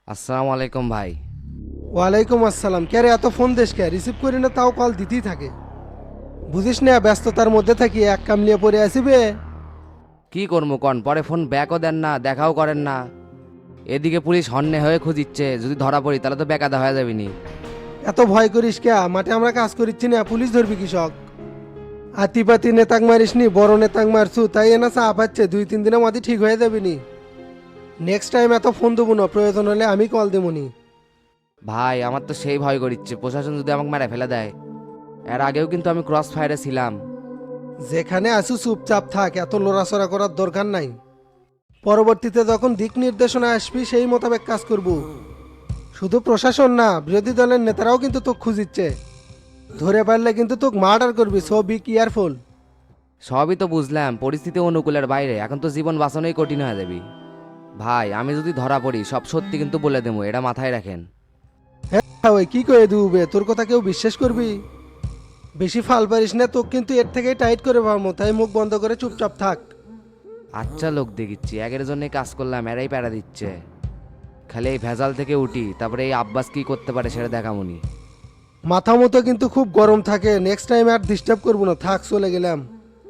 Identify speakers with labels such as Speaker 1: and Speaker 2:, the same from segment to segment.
Speaker 1: আসসালামু আলাইকুম ভাই।
Speaker 2: ওয়ালাইকুম আসসালাম। কে রে, এত ফোন দেশ কে? রিসিভ করি না তাও কল দিতেই থাকে। বুঝিস না ব্যস্ততার মধ্যে থাকি এক কামলিয়ে পড়ে আসিবে।
Speaker 1: কি করবো কন, পরে ফোন ব্যাকও দেন না, দেখাও করেন না। এদিকে পুলিশ হন্যে হয়ে খুঁজিচ্ছে, যদি ধরা পড়ি তাহলে তো বেকায়দা হয়ে যাবিনি।
Speaker 2: এত ভয় করিস কে? মাঠে আমরা কাজ করিচ্ছি না, পুলিশ ধরবি কৃষক। আতিপাতি নেতাক মারিস নি, বড় নেতাক মারছু তাই এনা চাপ পাচ্ছে, 2-3 দিনের মধ্যে ঠিক হয়ে যাবিনি। নেক্সট টাইম এত ফোন দেবো না, প্রয়োজন হলে আমি কল দেবনি।
Speaker 1: ভাই আমার তো সেই ভয় করিচ্ছে, প্রশাসন যদি আমাকে মেরে ফেলে দেয়। এর আগেও কিন্তু আমি ক্রস ফায়ারে ছিলাম।
Speaker 2: যেখানে আসু চুপচাপ থাক, এত লড়াচড়া করার দরকার নাই। পরবর্তীতে যখন দিক নির্দেশনা আসবি সেই মোতাবেক কাজ করব। শুধু প্রশাসন না, বিরোধী দলের নেতারাও কিন্তু তোকে খুঁজিচ্ছে। ধরে পারলে কিন্তু তোকে মার্ডার করবি, সো বি কেয়ারফুল।
Speaker 1: সবই তো বুঝলাম, পরিস্থিতি অনুকূলের বাইরে, এখন তো জীবন বাঁচানোই কঠিন হয়ে যাবে। ভাই আমি যদি ধরা পড়ি সব সত্যি কিন্তু বলে দেবো, এটা মাথায় রাখেন।
Speaker 2: হ্যাঁ ওই কি করে দিবে, তোর কথা কেউ বিশ্বাস করবি? বেশি ফাল পারিস না, তোকে কিন্তু এর থেকেই টাইট করে পারবো, তাই মুখ বন্ধ করে চুপচাপ থাক।
Speaker 1: আচ্ছা লোক দেখিচ্ছি, একের জন্য কাজ করলাম, এরাই প্যারা দিচ্ছে। খালি এই ভেজাল থেকে উঠি, তারপরে এই আব্বাস কি করতে পারে সেটা দেখামুনি।
Speaker 2: মাথা মতো কিন্তু খুব গরম থাকে, নেক্সট টাইম আর ডিস্টার্ব করবো না, থাক চলে গেলাম।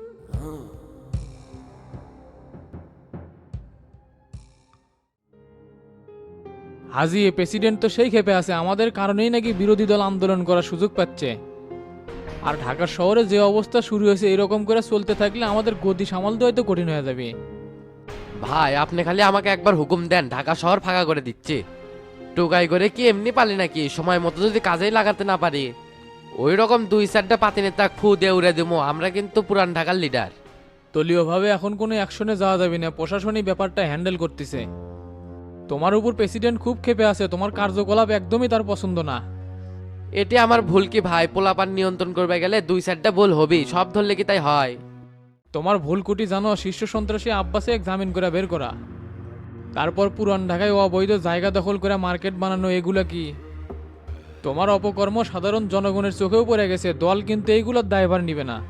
Speaker 3: হাজি প্রেসিডেন্ট তো সেই ক্ষেপে আছে, আমাদের কারণেই নাকি বিরোধী দল আন্দোলন করার সুযোগ পাচ্ছে। আর ঢাকা শহরে যে অবস্থা শুরু হয়েছে এরকম করে চলতে থাকলে আমাদের গতি সামাল দেওয়াই তো কঠিন হয়ে যাবে।
Speaker 4: ভাই আপনি খালি আমাকে একবার হুকুম দেন, ঢাকা শহর ফাঁকা করে দিচ্ছি। টোকাই করে কি এমনি পালি নাকি? সময় মতো যদি কাজেই লাগাতে না পারি, ওই রকম 2-4টা পাতি নেতা ফু দিয়ে উড়ে দেবো। আমরা কিন্তু পুরান ঢাকার লিডার।
Speaker 3: দলীয়ভাবে এখন কোনো অ্যাকশনে যাওয়া যাবে না, প্রশাসনিক ব্যাপারটা হ্যান্ডেল করতেছে। তোমার উপর প্রেসিডেন্ট খুব ক্ষেপে আছে, তোমার কার্যকলাপ একদমই তার পছন্দ না।
Speaker 4: এটি আমার ভুল কি ভাই? পোলাপান নিয়ন্ত্রণ করবে গেলে 2-4টা ভুল হবেই, সব ধরলে কি তাই হয়?
Speaker 3: তোমার ভুল কুটি জানো, শীর্ষ সন্ত্রাসী আব্বাসে জামিন করে বের করা, তারপর পুরান ঢাকায় অবৈধ জায়গা দখল করে মার্কেট বানানো, এগুলা কি? তোমার অপকর্ম সাধারণ জনগণের চোখেও পড়ে গেছে, দল কিন্তু এইগুলোর দায়ভার নিবে না।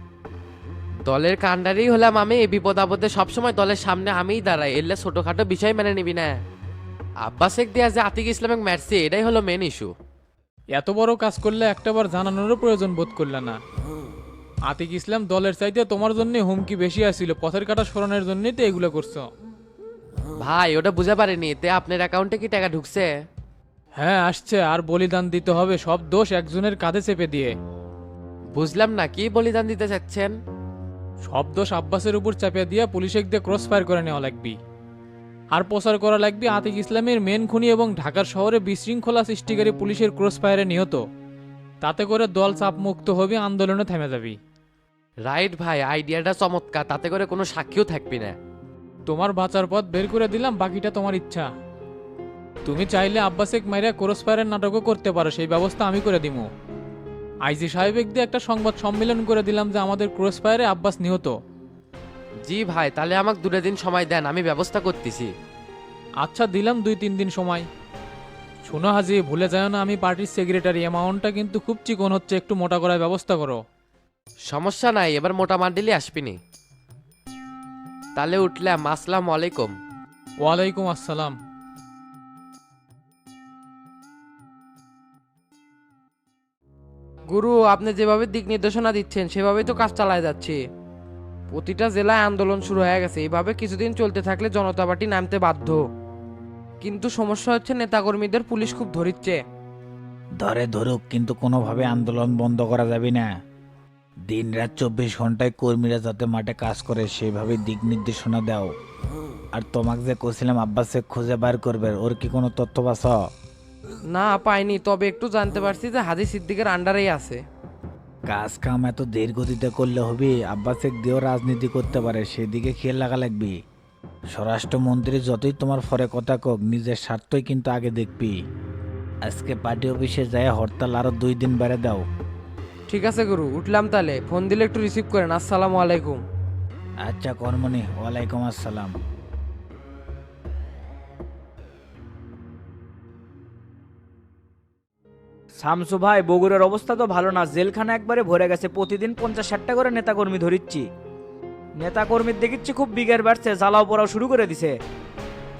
Speaker 4: দলের কাণ্ডারি হলাম আমি, এই বিপদ আপদে সবসময় দলের সামনে আমিই দাঁড়াই, এলে ছোটখাটো বিষয় মেনে নিবি না। আব্বাসেক দিয়া যে আতিক ইসলামিক মারছে, এটাই হলো মেন ইস্যু।
Speaker 3: এত বড় কাজ করলে একটাবার জানানোরও প্রয়োজন বোধ করলে না। আতিক ইসলাম দলের চাইতে তোমার জন্য হুমকি বেশি আসছিল, পথের কাটা সরানোর জন্যই তো এগুলো করছো।
Speaker 4: ভাই ওটা বুঝা পারেনি, এতে আপনার অ্যাকাউন্টে কি টাকা ঢুকছে?
Speaker 3: হ্যাঁ আসছে, আর বলিদান দিতে হবে, সব দোষ একজনের কাঁধে চেপে দিয়ে।
Speaker 4: বুঝলাম না, কি বলিদান দিতে চাচ্ছেন?
Speaker 3: সব দোষ আব্বাসের উপর চাপিয়ে দিয়ে পুলিশে দিয়ে ক্রস ফায়ার করে নেওয়া লাগবে। আর প্রচার করা লাগবে আতিক ইসলামের মেন খুনি এবং ঢাকার শহরে বিশৃঙ্খলা সৃষ্টিকারী পুলিশের ক্রস ফায়ারে নিহত। তাতে করে দল চাপ মুক্ত হবে, আন্দোলনে থেমে যাবে।
Speaker 4: রাইট ভাই, আইডিয়াটা চমৎকার, তাতে করে কোনো সাক্ষীও থাকবি না।
Speaker 3: তোমার বাঁচার পথ বের করে দিলাম, বাকিটা তোমার ইচ্ছা। তুমি চাইলে আব্বাসেক মাইরা ক্রস ফায়ারের নাটকও করতে পারো, সেই ব্যবস্থা আমি করে দিব। আইজি সাহেবেক দিয়ে একটা সংবাদ সম্মেলন করে দিলাম যে আমাদের ক্রস ফায়ারে আব্বাস নিহত।
Speaker 4: জি ভাই, তাহলে আমাকে 2 দিন সময় দেন, আমি ব্যবস্থা করতেছি।
Speaker 3: আচ্ছা দিলাম 2-3 দিন সময়। শোনো হাজি, ভুলে যায় না আমি পার্টির সেক্রেটারি, অ্যামাউন্টটা কিন্তু খুব চিকন হচ্ছে, একটু মোটা করার ব্যবস্থা করো।
Speaker 4: সমস্যা নাই, এবার মোটা মান্ডিলি আসবিনি। তাহলে উঠলাম, আসসালামু আলাইকুম।
Speaker 3: ওয়ালাইকুম আসসালাম।
Speaker 5: গুরু, আপনি যেভাবে দিক নির্দেশনা দিচ্ছেন সেভাবেই তো কাজ চালায় যাচ্ছে। প্রতিটা জেলায় আন্দোলন শুরু হয়ে গেছে, এইভাবে কিছুদিন চলতে থাকলে জনতা পার্টি নামতে বাধ্য। কিন্তু সমস্যা হচ্ছে নেতাকর্মীদের পুলিশ খুব ধরিচ্ছে।
Speaker 6: ধরে ধরুক, কিন্তু কোনোভাবে আন্দোলন বন্ধ করা যাবে না। দিন রাত 24 ঘন্টায় কর্মীরা যাতে মাঠে কাজ করে সেভাবে দিক নির্দেশনা দাও। আর তোমাকে যে কছিলাম আব্বাসে খুঁজে বার করবে, ওর কি কোনো তথ্য পাস?
Speaker 5: না পাইনি, তবে একটু জানতে পারছি যে হাজি সিদ্দিকের আন্ডারেই আছে।
Speaker 6: কাজ কাম এত ধীর গতিতে করলে হবে? আব্বাসে দিয়েও রাজনীতি করতে পারে, সেদিকে খেয়াল রাখা লাগবে। স্বরাষ্ট্রমন্ত্রী যতই তোমার ফরে কথা কক, নিজের স্বার্থই কিন্তু আগে দেখবি। আজকে পার্টি অফিসে যায় হরতাল আরো 2 দিন বেড়ে দাও।
Speaker 5: ঠিক আছে গুরু, উঠলাম তাহলে, ফোন দিলে একটু রিসিভ করেন। আসসালামু আলাইকুম।
Speaker 6: আচ্ছা কর্মনি, ওয়ালাইকুম আসসালাম।
Speaker 7: শামসু ভাই, বগুড়ার অবস্থা তো ভালো না, জেলখানা একবারে ভরে গেছে, প্রতিদিন 50-60টা করে নেতাকর্মী ধরিচ্ছি। নেতাকর্মীর দেখিচ্ছি খুব বিগের বাড়ছে, জ্বালাও পড়াও শুরু করে দিছে।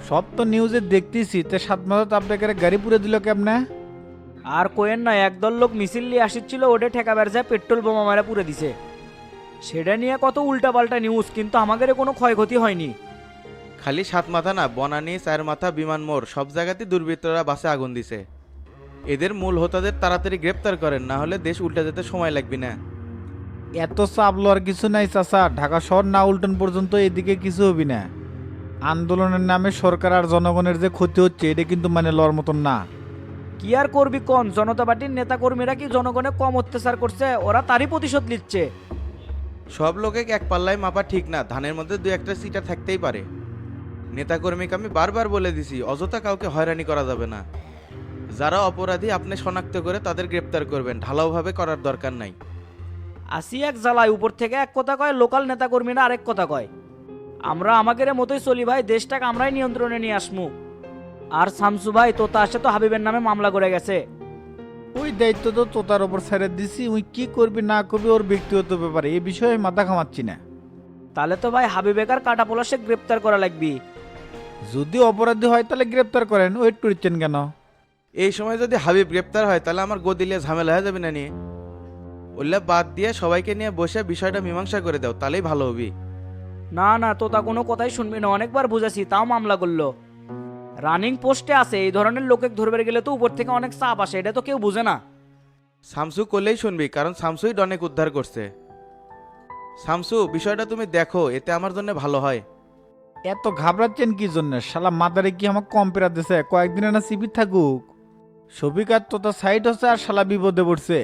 Speaker 6: সব তো নিউজে দেখতেছি, তে 7 মাসে আপনাকে গাড়ি পুরে দিল কেমনে?
Speaker 7: আর কোয়েন না, একদল লোক মিছিল নিয়ে আসছিল, ওটা ঠেকাবার যায় পেট্রোল বোমা মারা পুড়ে দিছে। সেটা নিয়ে কত উল্টাপাল্টা নিউজ, কিন্তু আমাদের কোনো ক্ষয়ক্ষতি হয়নি।
Speaker 8: খালি 7 মাথা না, বনানী 4 মাথা, বিমান মোড় সব জায়গাতেই দুর্বৃত্তরা বাসে আগুন দিছে। এদের মূল হোতাদের তাড়াতাড়ি গ্রেপ্তার করেন, না হলে দেশ উল্টে যেতে সময় লাগবে না।
Speaker 6: এত চাপ লওয়ার কিছু নাই চাচা, ঢাকা শহর না উল্টন পর্যন্ত এদিকে কিছু হবি না। আন্দোলনের নামে সরকার আর জনগণের যে ক্ষতি হচ্ছে এটা কিন্তু মানে লওয়ার মতন না।
Speaker 7: কি আর করবি কোন, জনতা পার্টির নেতা কর্মীরা কি জনগণে কম অত্যাচার করছে? ওরা তারই প্রতিশোধ নিচ্ছে।
Speaker 8: সব লোকে এক পাল্লায় মাপা ঠিক না, ধানের মধ্যে 2-1টা সিটা থাকতেই পারে। নেতাকর্মীকে আমি বারবার বলে দিছি, অযথা কাউকে হয়রানি করা যাবে না। যারা অপরাধী আপনি শনাক্ত করে তাদের গ্রেপ্তার করবেন, ঢালাওভাবে করার দরকার নাই।
Speaker 7: আসি এক জ্বালায়, উপর থেকে এক কথা কয়, লোকাল নেতা কর্মীরা আরেক কথা কয়। আমরা আমাদের মতোই চলি ভাই, দেশটাকে আমরাই নিয়ন্ত্রণে নিয়ে আসমু। আর শামসু ভাই তোতা আসে তো হাবিবের নামে মামলা করে গেছে।
Speaker 6: ওই দায়িত্ব তো তোতার ওপর ছেড়ে দিছি, ওই কি করবি না করবি ওর ব্যক্তিগত ব্যাপারে, এই বিষয়ে আমি মাথা ঘামাচ্ছি না।
Speaker 7: তাহলে তো ভাই হাবিবেকার কাটা পলাশে গ্রেপ্তার করা লাগবে।
Speaker 6: যদি অপরাধী হয় তাহলে গ্রেপ্তার করেন, ওয়েট করছেন কেন?
Speaker 8: এই সময় যদি হাবিব গ্রেপ্তার হয় তাহলে আমার গদিলিয়ে ঝামেলা হয়ে যাবে না নিয়ে। ওল্লা বাদ দিয়ে সবাইকে নিয়ে বসে বিষয়টা মীমাংসা করে দাও, তাহলেই ভালো হবি।
Speaker 7: না না, তোতা কোনো কথাই শুনবি না, অনেকবার বুঝাছি তাও মামলা করলো। রানিং পোস্টে আছে, এই ধরনের লোকে ধরবে গেলে তো উপর থেকে অনেক চাপ আসে, এটা তো কেউ বুঝে না।
Speaker 8: শামসু করলেই শুনবি, কারণ শামসুই অনেক উদ্ধার করছে। শামসু, বিষয়টা তুমি দেখো, এতে আমার জন্য ভালো হয়।
Speaker 6: এত ঘাবড়াচ্ছেন কি জন্য? শালা মাদারে কি আমাকে কম পেরা দিছে? কয়েকদিনে না শিবির থাকুক। সবিকার তো তার সাইড হচ্ছে আর শালা বিপদে পড়ছে।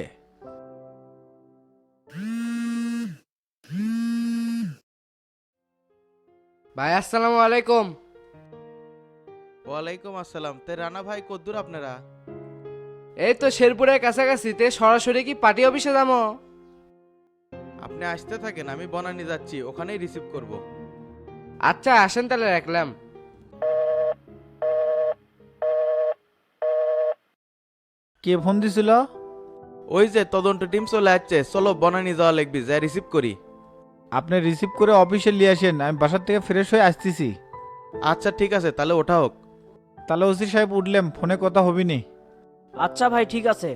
Speaker 4: ভাই আসসালামু আলাইকুম।
Speaker 8: ওয়ালাইকুম আসসালাম। তে রানা ভাই কদ্দুর আপনারা?
Speaker 4: এই তো শেরপুরের কাছাকাছি, তে সরাসরি কি পার্টি অফিসে যাবো?
Speaker 8: আপনি আসতে থাকেন, আমি বনানী যাচ্ছি, ওখানেই রিসিভ করব।
Speaker 4: আচ্ছা আসেন তাহলে, রাখলাম।
Speaker 6: কে ফোন দিছিল?
Speaker 8: ওই যে তদন্ত টিম চলে যাচ্ছে, চলো বনানী যাওয়া লাগবে, যা রিসিভ করি।
Speaker 6: আপনি রিসিভ করে অফিসে নিয়ে আসেন, আমি বাসার থেকে ফ্রেশ হয়ে আসতেছি।
Speaker 8: আচ্ছা ঠিক আছে, তাহলে ওঠা হোক।
Speaker 6: তাহলে ওসি সাহেব উঠলাম, ফোনে কথা হবি নি।
Speaker 7: আচ্ছা ভাই ঠিক আছে।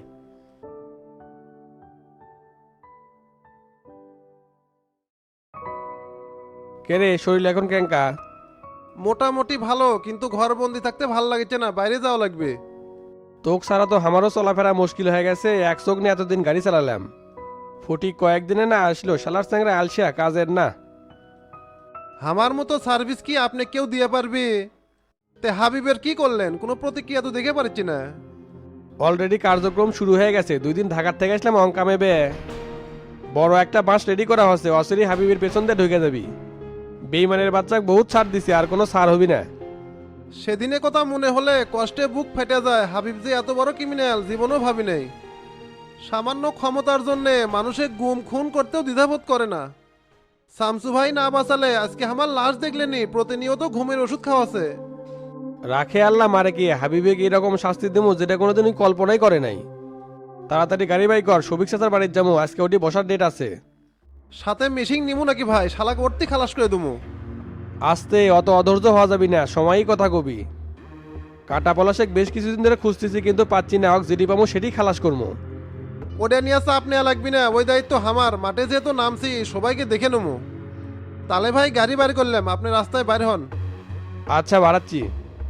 Speaker 9: কে রে, শরীর এখন কেঙ্কা?
Speaker 2: মোটামুটি ভালো, কিন্তু ঘরবন্দি থাকতে ভাল লাগছে না, বাইরে যাওয়া লাগবে।
Speaker 9: তোক ছাড়া তো আমারও চলাফেরা মুশকিল হয়ে গেছে, এক চোখ নিয়ে এতদিন গাড়ি চালালাম। ফটিক কয়েকদিনে না আসলো, শালার চ্যাংরা আলসিয়া কাজের না।
Speaker 2: আমার মতো সার্ভিস কি আপনি কেউ দিয়ে পারবে? তে হাবিবের কি করলেন? কোনো প্রতিক্রিয়া তো দেখে পাচ্ছি না।
Speaker 9: অলরেডি কার্যক্রম শুরু হয়ে গেছে, 2 দিন ঢাকার থেকে আসলাম অঙ্কামেবে। বড় একটা বাস রেডি করা হচ্ছে, অসিরি হাবিবের পেছন দিয়ে ঢুকে যাবি। বেইমানের বাচ্চাকে বহুত ছাড় দিছে, আর কোনো ছাড় হবি না।
Speaker 2: সেদিনে কথা মনে হলে কষ্টে বুক ফেটে যায়। হাবিব যে এত বড় ক্রিমিনাল জীবনও ভাবি নাই। সামান্য ক্ষমতার জন্যে মানুষের গুম খুন করতেও দ্বিধাবোধ করে না। শামসু ভাই না বাঁচালে আজকে আমার লাশ দেখলেনি, প্রতিনিয়ত ঘুমের ওষুধ খাওয়াছে।
Speaker 9: রাখে আল্লাহ মারে কি, হাবিবে কি এরকম শাস্তি দেবো যেটা কোনোদিনই কল্পনাই করে নাই। তাড়াতাড়ি গাড়ি বাই কর, সবিক চাচার বাড়ির যাবো, আজকে ওটি বসার ডেট আছে।
Speaker 2: সাথে মেশিং নিমু নাকি ভাই? শালাকে ওরতি খালাস করে দেবো।
Speaker 9: আস্তে, অত অধৈর্য হওয়া যাবি না, সময়ই কথা কবি। কাটা পলাশেক বেশ কিছুদিন ধরে খুঁজতেছি, কিন্তু পাচ্ছি না। হক যেটি পাবো সেটি খালাস করবো।
Speaker 2: ওটা নিয়ে চাপ নেওয়া লাগবি না, ওই দায়িত্ব আমার। মাঠে যেহেতু নামছি সবাইকে দেখে নেবো। তাহলে ভাই গাড়ি বাইর করলাম, আপনি রাস্তায় বাইর হন।
Speaker 9: আচ্ছা বাড়াচ্ছি।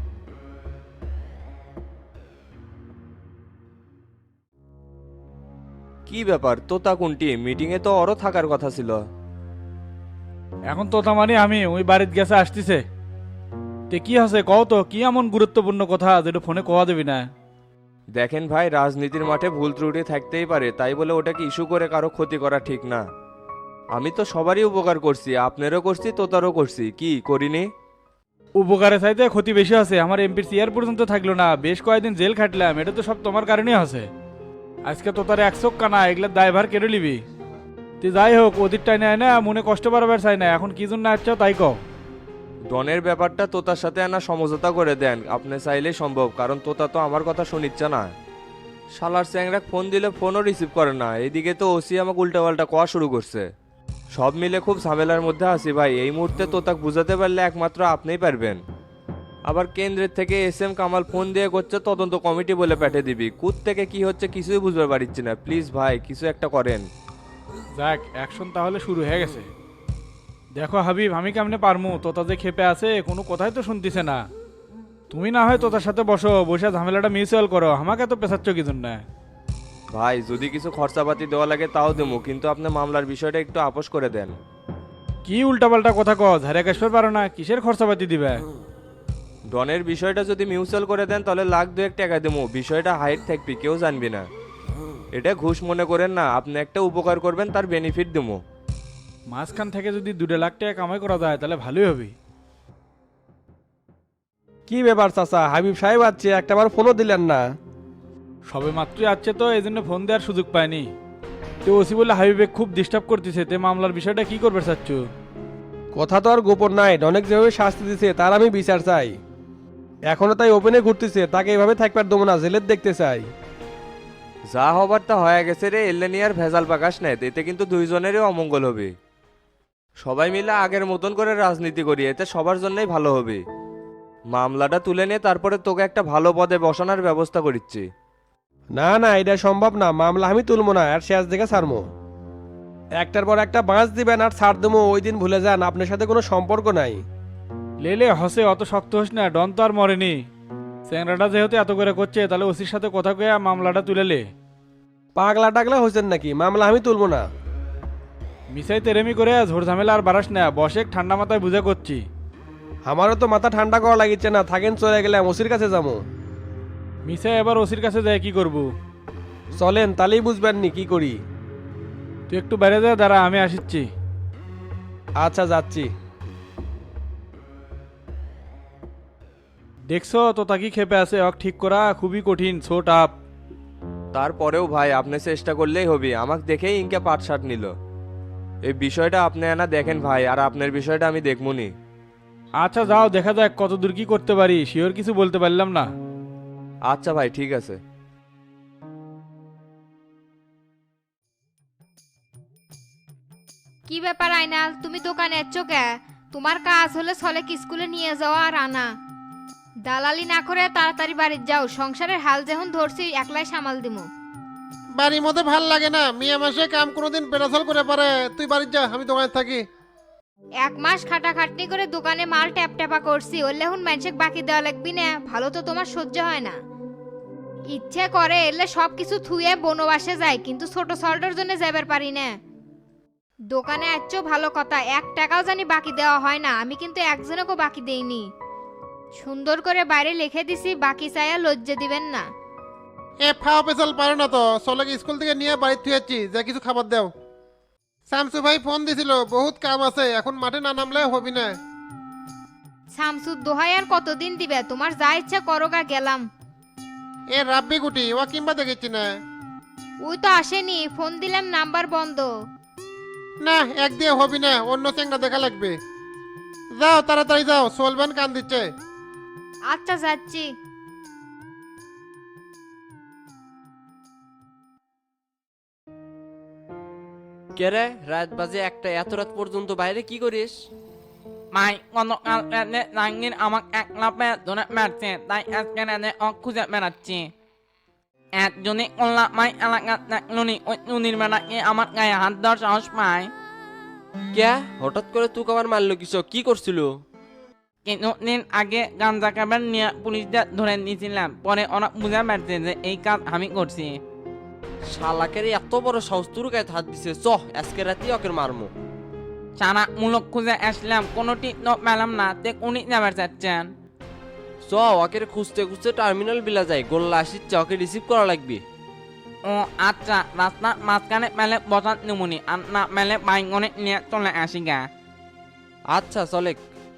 Speaker 10: কি ব্যাপার, তোতা কোনটি? মিটিংয়ে তো ওরও থাকার কথা ছিল।
Speaker 3: এখন তোতা মানে আমি ওই বাড়িতে গেছে আসতেছে। তে কি আছে কও তো, কি এমন গুরুত্বপূর্ণ কথা যেটা ফোনে কওয়া দেবি না?
Speaker 10: দেখেন ভাই, রাজনীতির মাঠে ভুল ত্রুটি থাকতেই পারে, তাই বলে ওটাকে ইস্যু করে কারো ক্ষতি করা ঠিক না। আমি তো সবারই উপকার করছি, আপনারও করছি, তোতারও করছি, কি করিনি?
Speaker 3: উপকারে চাইতে ক্ষতি বেশি আছে। আমার এমপির চেয়ার পর্যন্ত থাকলো না, বেশ কয়েকদিন জেল খাটলাম, এটা তো সব তোমার কারণেই আছে। আজকে তো তার 100 কানা, এগুলোর দায়ভার কেড়ে নিবি তুই। যাই হোক, ওদিক টাইনে আয় না, মনে কষ্ট বাড়াবার চাই না। এখন কি জন্য আসছো তাই কও।
Speaker 10: ডনের ব্যাপারটা তোতার সাথে আনা সমঝোতা করে দেন, আপনি চাইলেই সম্ভব, কারণ তোতা তো আমার কথা শুনিচ্ছে না। শালার চ্যাংরা ফোন দিলে ফোনও রিসিভ করে না, এদিকে তো ওসি আমাকে উল্টাপাল্টা কোয়া শুরু করছে। সব মিলে খুব ঝামেলার মধ্যে আছি ভাই। এই মুহূর্তে তোতাক বুঝাতে পারলে একমাত্র আপনিই পারবেন। আবার কেন্দ্রের থেকে SM কামাল ফোন দিয়ে করছে তদন্ত কমিটি বলে পাঠিয়ে দিবি, কুত থেকে কি হচ্ছে কিছুই বুঝতে পারছি না। প্লিজ ভাই কিছু একটা করেন।
Speaker 3: যাক, অ্যাকশন তাহলে শুরু হয়ে গেছে। দেখো হাবিব, আমি কেমনে পারমু? তোতা যে খেপে আছে, কোনো কথাই তো শুনতিছে না। তুমি না হয় তোতার সাথে বসো, বসে ঝামেলাটা মিউচুয়াল করো, আমাকে তো পেছাচ্ছ কি জন্য?
Speaker 10: ভাই যদি কিছু খরচাপাতি দেওয়া লাগে তাও দেবো, কিন্তু আপনি মামলার বিষয়টা একটু আপোষ করে দেন।
Speaker 3: কি উল্টাপাল্টা কথা কও, ঝাড়ে কাশবে পারো না? কিসের খরচাপাতি দিবে?
Speaker 10: ডনের বিষয়টা যদি মিউচুয়াল করে দেন তাহলে লাখ 2 টাকা দেবো, বিষয়টা হাইট থাকবি, কেউ জানবি না। এটা ঘুষ মনে করেন না, আপনি একটা উপকার করবেন তার বেনিফিট দেবো।
Speaker 3: মাঝখান থেকে যদি 2 লাখ টাকা কামাই করা যায় তাহলে ভালোই হবে।
Speaker 9: কি ব্যাপার চাচা, হাবিব সাহেব আছে, একটাবার ফোনও দিলেন না?
Speaker 3: সবে মাত্রই আসছে তো, এই জন্য ফোন দেওয়ার সুযোগ পাইনি। তো ওসি বলে হাবিবে খুব ডিস্টার্ব করতেছে, তে মামলার বিষয়টা কি করবে চাচ্ছ?
Speaker 9: কথা তো আর গোপন নাই, অনেক যেভাবে শাস্তি দিছে তার আমি বিচার চাই। এখনো তাই ওপেনে ঘুরতেছে, তাকে এভাবে থাকবার দেবো না, জেলের দেখতে চাই।
Speaker 10: যা হবার তা হয়ে গেছে রে, এলেনি আর ভেজাল পাকাশ নেই, এতে কিন্তু দুইজনেরই অমঙ্গল হবে। সবাই মিলে আগের মতন করে রাজনীতি করি, এতে সবার জন্যই ভালো হবে। মামলাটা তুলে নিয়ে তারপরে তোকে একটা ভালো পদে বসানোর ব্যবস্থা করিচ্ছি।
Speaker 9: না না, এটা সম্ভব না, মামলা আমি তুলবো না, আর শেষ দেখে ছাড়বো। একটার পর একটা বাঁচ দিবেন আর ছাড় দেবো, ওই দিন ভুলে যান, আপনার সাথে কোনো সম্পর্ক নাই।
Speaker 3: লেলে হসে, অত শক্ত হোস না, ডন তো আর মরেনি। চ্যাংরাটা যেহেতু এত করে করছে, তাহলে ওসির সাথে কথা কয়ে মামলাটা তুলে লে।
Speaker 9: পাগলা টাগলা হয়েছেন নাকি? মামলা আমি তুলবো না।
Speaker 3: মিসাই তেরেমি করে ঝোড় ঝামেলা আর বাড়াস না, বসে ঠান্ডা মাথায় বুঝে করছি।
Speaker 9: আমারও তো মাথা ঠান্ডা করা লাগিচ্ছে না, থাকেন, চলে গেলাম, ওসির কাছে যাবো।
Speaker 3: মিসাই এবার ওসির কাছে যায় কি করবো?
Speaker 9: চলেন, তাহলেই বুঝবেন নি কি করি।
Speaker 3: তুই একটু বাইরে যা, দাঁড়া আমি আসিচ্ছি।
Speaker 9: আচ্ছা যাচ্ছি।
Speaker 3: দেখছো তো তাকি খেপে আছে, অক ঠিক করা খুবই কঠিন, ছো টাপ।
Speaker 10: তারপরেও ভাই আপনি চেষ্টা করলেই হবে, আমাকে দেখেই ইনকে পাট শার্ট নিল। এই বিষয়টা আপনি না দেখেন ভাই, আর আপনার বিষয়টা আমি দেখমুনি।
Speaker 3: আচ্ছা যাও, দেখা যাক কত দূর কি করতে পারি, শিওর কিছু বলতে পারলাম না।
Speaker 10: আচ্ছা ভাই ঠিক আছে।
Speaker 11: কি ব্যাপার আইনাল, তুমি দোকানে এচ্ছ কে? তোমার কাজ হলে ছলেক স্কুলে নিয়ে যাওয়া আর আনা। দালালি না করে তাড়াতাড়ি বাড়ির যাও, সংসারের হাল যখন ধরছি একলাই সামাল দিমু।
Speaker 2: বাড়ির মধ্যে ভাল লাগে না, মিয়া মাসে কাম কোনোদিন পেরাসাল করে পারে। তুই বাড়ির যা, আমি দোকানে থাকি।
Speaker 11: 1 মাস খাটাখাটনি করে দোকানে মাল ট্যাপ ট্যাপা করছি, ওরলে এখন মানুষের বাকি দেওয়া লাগবি না, ভালো তো তোমার সহ্য হয় না। ইচ্ছে করে এলে সব কিছু থুয়ে বনবাসে যায়, কিন্তু ছোট সল্টের জন্য যাবার পারি না। দোকানে আচ্ছ ভালো কথা, 1 টাকাও জানি বাকি দেওয়া হয় না, আমি কিন্তু একজনকেও বাকি দেইনি। সুন্দর করে বাইরে লিখে দিছি, বাকি চাইয়া লজ্জা দিবেন না।
Speaker 2: এ ফাও পেছাল পারো না তো, চলেকে স্কুল থেকে নিয়ে বাড়ি থুয়েছি, যা কিছু খাবার দাও। শামসু ভাই ফোন দিছিল, বহুত কাম আছে, এখন মাঠে না নামলে হবি না।
Speaker 11: শামসুর দোহাই আর কতদিন দিবে, তোমার যা ইচ্ছা করো গা, গেলাম।
Speaker 2: এ রাব্বি গুটি ও কিংবা দেখেছি না।
Speaker 11: ওই তো আসেনি, ফোন দিলাম নাম্বার বন্ধ।
Speaker 2: না, এক দিয়ে হবি না, অন্য চেংড়া দেখা লাগবে। যাও তাড়াতাড়ি যাও, চলবেন কান দিচ্ছে।
Speaker 11: আচ্ছা যাচ্ছি।
Speaker 4: কে রে, রাত বাজে একটা, এত রাত পর্যন্ত বাইরে কি করিস?
Speaker 5: মাই গতকাল রাতে জাহাঙ্গীর আমাকে একলা পেয়ে ধরে মারছে, তাই আজকে রাতে খুঁজে বেড়াচ্ছি। একজনই কল্লা মাই এলাকা দেখলুনি, ওই নুনির মেলাকে আমার গায়ে হাত দেওয়ার সাহস পায়।
Speaker 4: কে হঠাৎ করে তুই আবার মারলো কিস, কি করছিল?
Speaker 5: কিছুদিন আগে গাঞ্জা কাবার নিয়ে পুলিশদের ধরে নিয়েছিলাম, পরে ওরা বুঝে পারছে যে এই কাজ আমি করছি।
Speaker 4: শালাকের এত বড় সাহস, তোর গায়ে হাত দিছে, চ আজকে রাতে ওকে মারমো।
Speaker 5: সারা মূলক খুঁজে আসলাম, কোনোটি তো পেলাম না, তে উনি যাবার চাচ্ছেন।
Speaker 4: চ ওকে খুঁজতে খুঁজতে টার্মিনাল বিলা যায়, গোল্লা আসিচ্ছে, ওকে রিসিভ করা লাগবে।
Speaker 5: ও আচ্ছা, রাস্তার মাঝখানে মেলে বসাত নিমুনি, আর না মেলে বাইঙ্গনে নিয়ে চলে আসি গা।
Speaker 4: আচ্ছা চলে।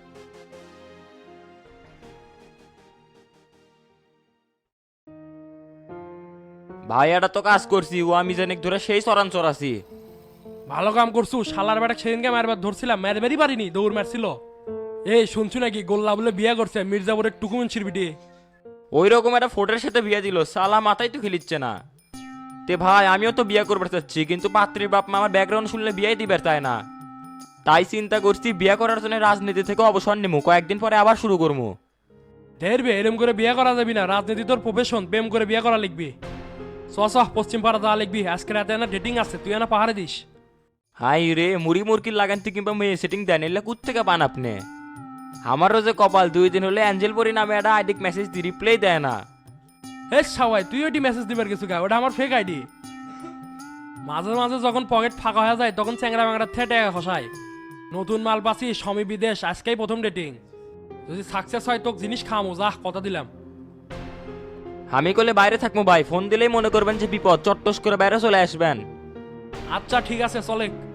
Speaker 12: ভাই এটা তো কাজ করছি, ও আমি জানি ধরে সেই চরাঞ্চর আছি।
Speaker 13: ভালো কাম করছু, শালার বেটা সেদিনকে মারবার ধরছিলাম, মারবারই পারিনি, দৌড় মারছিল। এই শুনছু নাকি গোল্লা বলে বিয়ে করছে মির্জাপুরের টুকুমুন্সির বিটে?
Speaker 12: ওই রকম একটা ফোটের সাথে বিয়ে দিল, সালা মাথায় তো খেলিচ্ছে না। তে ভাই আমিও তো বিয়ে করবার চাচ্ছি, কিন্তু পাত্রীর বাপ মা আমার ব্যাকগ্রাউন্ড শুনলে বিয়ে দিবার চায় না। তাই চিন্তা করছি বিয়ে করার জন্য রাজনীতি থেকে অবসর নিমু, কয়েকদিন পরে আবার শুরু করবো।
Speaker 13: ধেরবে এরম করে বিয়ে করা যাবি না, রাজনীতি তোর প্রফেশন, প্রেম করে বিয়ে করা লিখবি। চ পশ্চিম পাড়া যাওয়া লিখবি, আজকে রাতে না ডেটিং আছে, তুই না পাহাড়ে দিস।
Speaker 12: হাই রে, মুড়ি মুরকি লাগানতে কিংবা মেয়ে সেটিং দেন, এলে কুত থেকে পান আপনি? আমারও যে কপাল, 2 দিন হলে অ্যাঞ্জেল পরি নামে একটা আইডিক মেসেজ দি রিপ্লাই দেয় না।
Speaker 13: হে সবাই, তুই ওটি মেসেজ দিবার কিছু গা, ওটা আমার ফেক আইডি। মাঝে মাঝে যখন পকেট ফাঁকা হয়ে যায় তখন চ্যাংরা ব্যাংরা থেটে খসায়। নতুন মাল পাচ্ছি, স্বামী বিদেশ, আজকেই প্রথম ডেটিং। যদি সাকসেস হয় তোকে জিনিস খামো, যা কথা দিলাম।
Speaker 12: আমি কলে বাইরে থাকবো ভাই, ফোন দিলেই মনে করবেন যে বিপদ, চট্টস করে বাইরে চলে আসবেন।
Speaker 13: আচ্ছা ঠিক আছে, চলে।